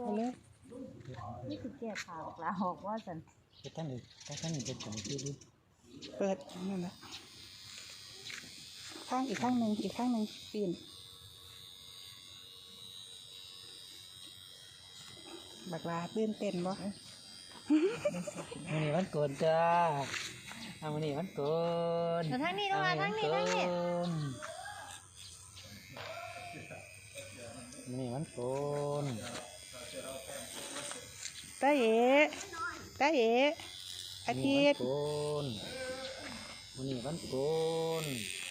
เลยนี่คือแก้ข่าวลาออกว่าสันท่านอีกเป็นของที่ดิเปิดนั่นแหละข้างอีกข้างหนึ่งปีนบักลาตื่นเต้นบ่มันนี่มันโกนจ้ามันนี่มันโกนทางนี้น้องมาทางนี้มันนี่มันโกนตาเอ๋อาทิตย์มันนี่มันโกน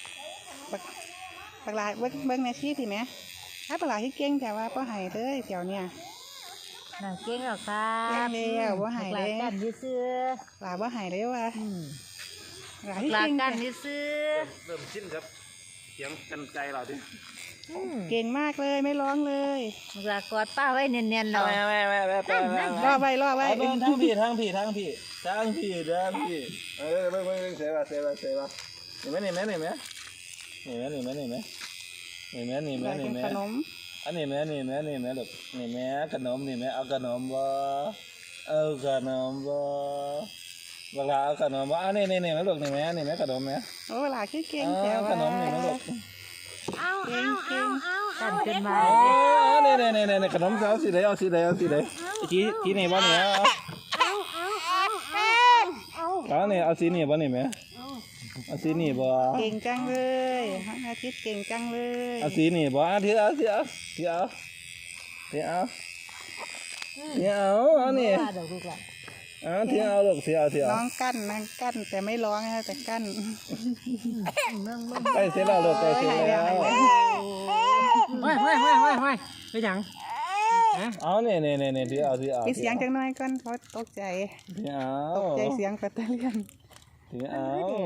บักลาเบิ้งในชีสิแม่ถ้าบักลาที่เก่งแต่ว่าป้าหายเลยแถวเนี่ยน่าเก่งหรอครับเก่งเลยป้าหายเลยกันยื้อลาป้าหายเลยว่ะลาที่เก่งกันยื้อเริ่มชิ้นครับเสียงกันใจเราดิเก่งมากเลยไม่ร้องเลยลากอดป้าไว้เนียนๆหน่อยรอไว้ทั้งพี่เบิ่งเสียว่านี่ไหมขนมอันนี้แม่ลูกนี่แม่ขนมนี่แม่เอาขนมบ่เวลาเอาขนมบ่อันนี้แม่ลูกนี่แม่ขนมแม่โอ้เวลาขี้เก่งแต่ว่าขนมนี่แม่ลูกเอากันขึ้นมานี่ขนมเอาสีใดที่นี่บ่เนี่ยเอานี่เอาสีนี่บ่นี่แม่เอาสีนี่บ่เก่งจังเลยอาทิตย์เก่งจังเลยเอาสีนี่บ่ที่เอาอันนี้ที่เอาน้องกั้นแต่ไม่ร้องนะแต่กั้นไปเสร็จแล้วลูกไปเสร็จแล้วไม่ไปยังเอาเนี่ยที่เอาปิดเสียงจังน้อยก่อนเพราะตกใจเสียงแบตเตอรี่ที่เอา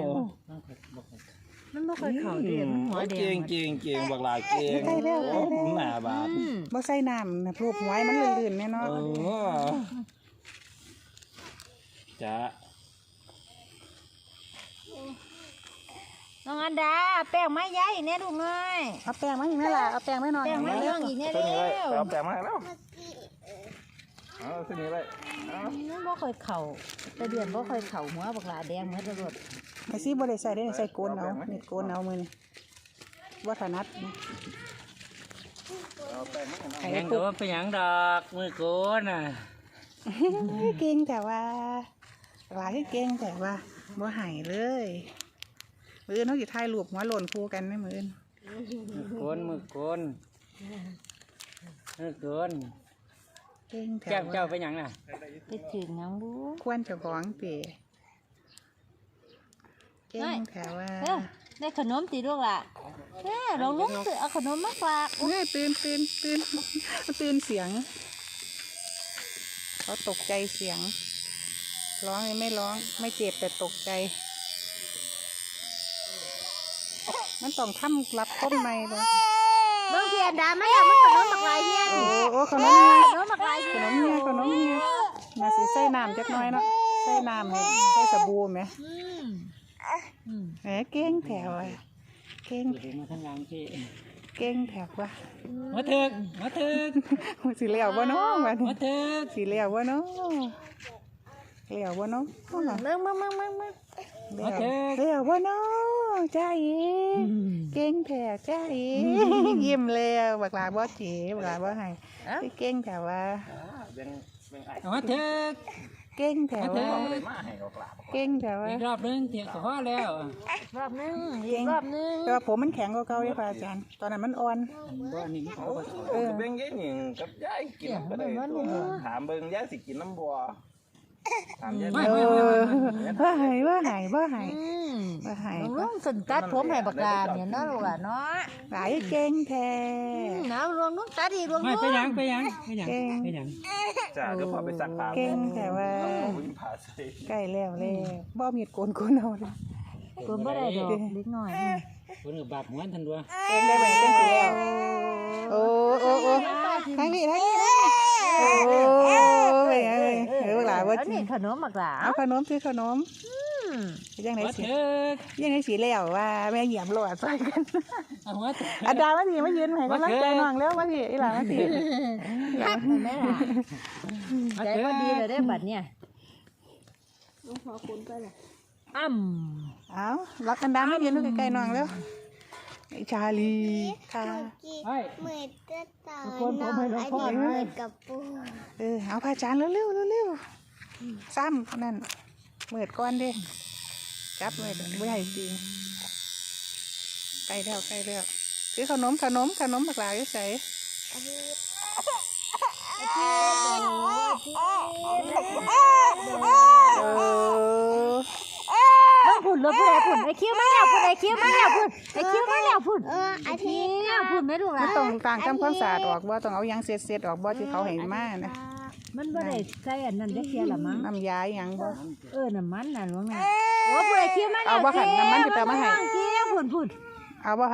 มันไม่เคยเข่าเดียนหัวเดียนเก่งบักหลาเก่งหน้าบาดบ่ใส่น้ำนะพลูกหวยมันลื่นๆแน่นอนจ้าน้องอันดาแป้งไม้ใหญ่เนี่ยลูกน้อยเอาแป้งมาอีกไหมล่ะเอาแป้งไม่นอนแป้งไม้เรื่องอีกเนี่ยเร็วเอาแป้งมาแล้วเอาเส้นนี้เลยนั่นบ่เคยเข่าแต่เดือนบ่เคยเข่าหัวบักหลาแดงเหมือนตำรวจไอ้ซี่บ่ได้ใส่ได้ใส่โกนเอาเน็ตโกนเอามือนี่ว่าถนัดแข่งตัวไปยังดอกมือโกนน่ะเก่งแต่ว่าหลายเก่งแต่ว่าบ่หายเลยมือเขาสิถ่ายรูปหัวหล่นคู่กันไหมมือมือโกนเก่งแต่เจ้าไปยังน่ะไปถึงยังบูควรจะของเป๋เก่งแต่ว่าได้ขนมตีลูกล่ะเราลุกเอาขนมมาฝากตื่นเสียงเขาตกใจเสียงร้องไม่ร้องไม่เจ็บแต่ตกใจมันต้องทำรับต้นไม้เลยเบื้องเพียนดาไม่อยากมันขนมบักลายเฮียโอ้ขนมบักลายขนมเฮียมาสิใส่น้ำจักน้อยเนาะใส่น้ำให้ใส่สบู่ไหมเก่งแถวเก่งมาทั้งหลังที่เก่งแถวว่ะมาเถิกสีเหลี่ยวบ่เนาะมาเถิกสีเหลี่ยวบ่เนาะเหลี่ยวบ่เนาะมึงเหลี่ยวบ่เนาะจ้าอีเก่งแถวจ้าอียิ้มแล้วบักลาบ่จีบักลาบ่ให้เก่งแถวว่ามาเถิกเก่งแถวว่าเก่งแถวว่าอีกรอบนึงเถียงกับพ่อแล้วรอบนึงแต่ว่าผมมันแข็งกว่าเก่าเลยค่ะอาจารย์ตอนนั้นมันอ่อนนี่เบิ่งยายหนิงกับยายกินก็ได้ถามเบิ่งยายสิกินน้ำบัวว่าหายลุงสนตัดผมให้บักลาเนี่ยเนาะลูกเนาะหลายเก่งแท้น้ำรวงลุงตัดดีรวงลุงไปยังจ้าเดี๋ยวพอไปสักผ้าเก่งแต่ว่าใกล้แล้วบ่มีดโกนเอาเลยโกนบ่ได้ดอกเล็กน้อยคนกับบาดหัวทันตัวเก่งได้ไหมเก่งสิแล้วโอ้ทางนี้โอ้ยหลายว่านี่ขนมบักลาเอาขนมซื้อขนมยังไงมาสิเถิดยังไงสิแล้วว่าแม่เหยียบโลดใส่กันเอาหัวเถิดอาดามาสิมายืนให้กำลังใจน้องแล้วมาสิอีหลามาสิฮักแม่ล่ะมาใจเถิก็ดดีเลยได้บัดเนี่ยอ้เอารักกันดามายืนใกล้ๆน้องแล้วไอ้ชาลีค่ะเฮ้ยเหมือนจะต่อยน้องอันนี้เหมือนกับปูเอาผ้าจานเร็วๆเร็วๆซ้ำนั่นเมิดก้อนดิจับเมิดไม่ให้จริงใกล้แล้วคือขนมบักหลาอยู่ใส่ำพุ่นรถพุ่นไอ้พุ่นไอ้คิ้วมาแล้วพุ่นไอ้คิ้วมาแล้วพุ่นไอ้คิ้วมาแล้วพุ่นอาทิตย์คิ้วพุ่นไม่รู้ไม่ละต้องต่างทำความสะอาดออกบ่ต้องเอาหยังเศษออกบ่ที่เขาให้มานะมันบ่ได้ใส่อันนั้นได้เสียละมั้งน้ำยาหยังบ่น้ำมันน่ะหลวงน่ะโอ้พุ่นไอ้คิ้วมาแล้วเอาบ่หั่นน้ำมันสิไปเอามาให้คิ้วพุ่นเอาบ่